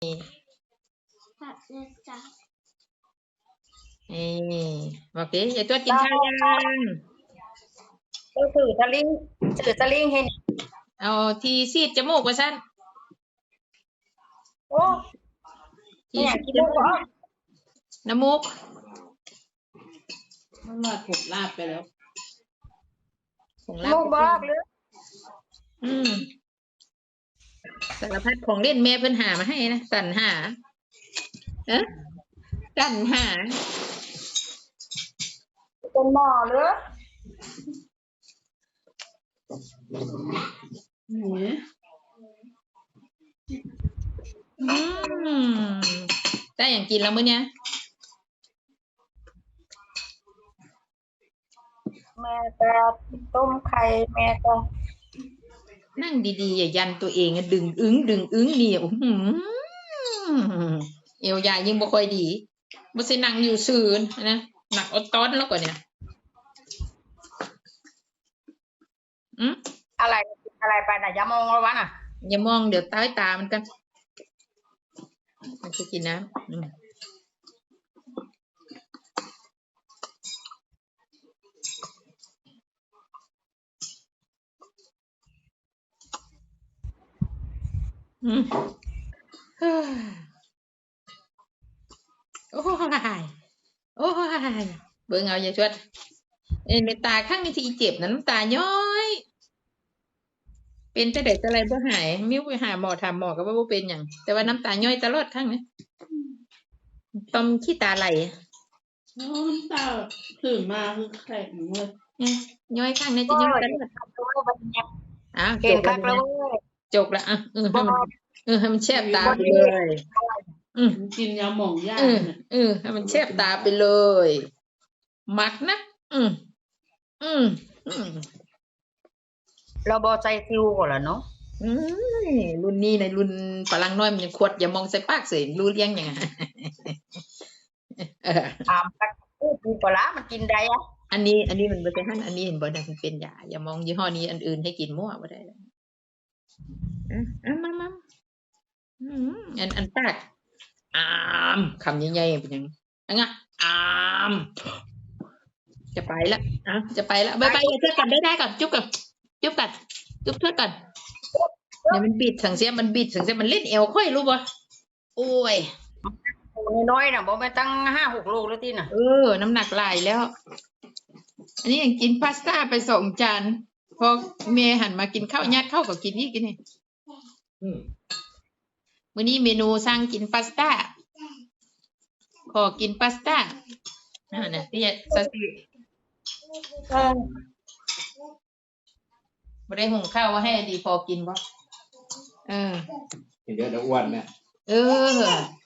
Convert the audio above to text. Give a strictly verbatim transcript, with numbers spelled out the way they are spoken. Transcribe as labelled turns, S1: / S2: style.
S1: ผัดเลยจ้ะ
S2: นี่บอกดิยายตัวกินข้าวยัง
S3: ก็สื่อสลิงสื่อสลิงให้นี่
S2: เอาทีซีดจมูกว่าสั้น
S3: โอ้
S2: ที
S3: เนี่ย
S2: ซีด
S3: กิน
S2: จ
S3: ลูก
S2: มูก
S3: บ่
S2: น้ำมูก
S4: มันมาถูกลาบไปแล้ว
S2: ของ
S3: ลูกบอกหรือ
S2: อืมสารพัดของเล่นแม่เพิ่นหามาให้นะสรรหาเอ๊ะสรรหา
S3: เป็นหมอหรือ
S4: หนู
S2: อืมได้อย่างกินแล้วมื้อเนี้ย
S3: แม่ก็ต้มไข่แม่ก็
S2: นั่งดีๆอย่ายันตัวเองอะดึงอึ้งดึงอึ้งนี่อื้อหือเอวยายิ่งบ่ค่อยดีบ่ใช่นั่งอยู่ซื่อนะหนักอดต้อนแล้วกว่าเนี่ยอืม
S3: อะไรอะไรไปน่ะอย่ามองแล้ววะน่ะ
S2: อย่ามองเดี๋ยวใต้ตามันกันมันจะกินน้ำอืมอืมเฮ้ยโอ้ยโอ้ยเบิ่งเอาอย่าชวดเอ็นตาข้างนี้ที่เจ็บนะน้ำตาย้อยเป็นแต่เด็กอะไรบ่หายมิ้วไปหาหมอถามหมอก็ว่าบ่เป็นหยังแต่ว่าน้ำตาย้อยตลอดข้างนี้ตอมขี้ตาไหล
S4: น้ำตาตื่นมาคือแข็งเลย
S2: เนี่ยย้อยข้างนี้จะย้อยตลอดอ่ะจ
S3: เก่ง
S2: บ
S3: คั
S2: แล้ว
S3: กแล้ว
S2: นะ
S3: เว้ย
S2: จบแล้วอ่ะเออให้
S3: บ่
S2: มันเออให้มันแชบตาไปเลย อืม
S4: กินยาหม่องยา
S2: เออ
S4: เนี่ย
S2: เออให้มันแชบตาไปเลย มักนะอืมอืมอืม
S3: เราบ่ใจซิวก่อนล่ะเนาะ
S2: อืมรุ่นนี้ในรุ่นฝรั่งน้อยมันยังขวดอย่ามองใส่ปากเสียรู้เลี้ยงยังไงเออ
S3: ถามกันพูดดีกว่าละมันกินได้อะ
S2: อันนี้ อันนี้มันไม่ใช่หั่นอันนี้เห็นบ่ได้มันเป็นยาอย่ามองยี่ห้อนี้อันอื่นให้กินมั่วบ่ได้เลยอ่ะอ่ะมามาอืมอันอันปากอามคำใหญ่ๆเป็นยังอันงะอามจะไปละอ่ะจะไปละบายบายอย่าเทือกกันได้ได้ก่อนจุ๊บก่อนจุ๊บกันจุ๊บเทือกกันเนี่ยมันบิดสังเสียมันบิดสังเสียมันเล่นเอวค่อยรู้ป่ะโอ้ย
S3: น้อยๆน่ะบ่แม่นตั้งห้าหกโลแล้วติน่ะ
S2: เออ น้ำหนักหลายแล้ว อันนี้ยังกินพาสต้าไปสองจานพอเมย์หันมากินข้าวยัดข้าวกับกินนี่กินนี่มื้อนี้เมนูสั่งกินพาสต้าขอกินพาสต้าอ่าเนี่ยที่ซาซิ
S3: เออ
S2: บ่ได้หุงข้าวว่าให้ดีพอกินบ่เออ
S5: เดี๋ยวเดี๋ยวอ้วนเนี่ย
S2: เออ